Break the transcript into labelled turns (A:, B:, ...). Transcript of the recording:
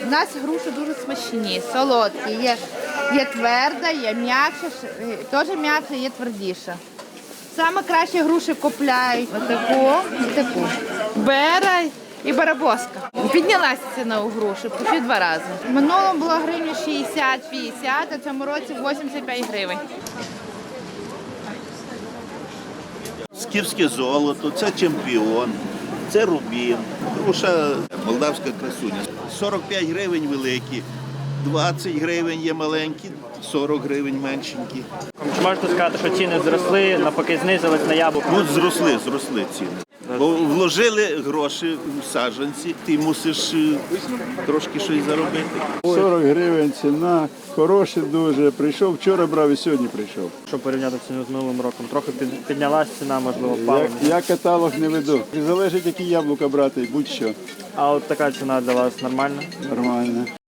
A: У нас груші дуже смачні, солодкі. Є тверда, є м'якша, теж м'якша, є твердіша. Саме краще груші купляють отаку і таку. Бера і барабоска. Піднялася ціна у груші почти 2 рази. В минулому було гривні 60-50, а в цьому році 85 гривень.
B: Скіфське золото, це чемпіон, це рубін, груша молдавська красуня. 45 гривень великі, 20 гривень є маленькі, 40 гривень меншенькі.
C: Чи можете сказати, що ціни зросли, навпаки знизились на яблуко?
B: Ну, зросли ціни. Бо вложили гроші в саджанці, ти мусиш трошки щось заробити.
D: 40 гривень ціна, хороше дуже. Прийшов, вчора брав і сьогодні прийшов.
C: Щоб порівняти ціну з минулим роком, трохи піднялась ціна, можливо, впала.
D: Я каталог не веду. Залежить, які яблука брати, будь-що.
C: А от така ціна для вас нормальна?
D: Нормально.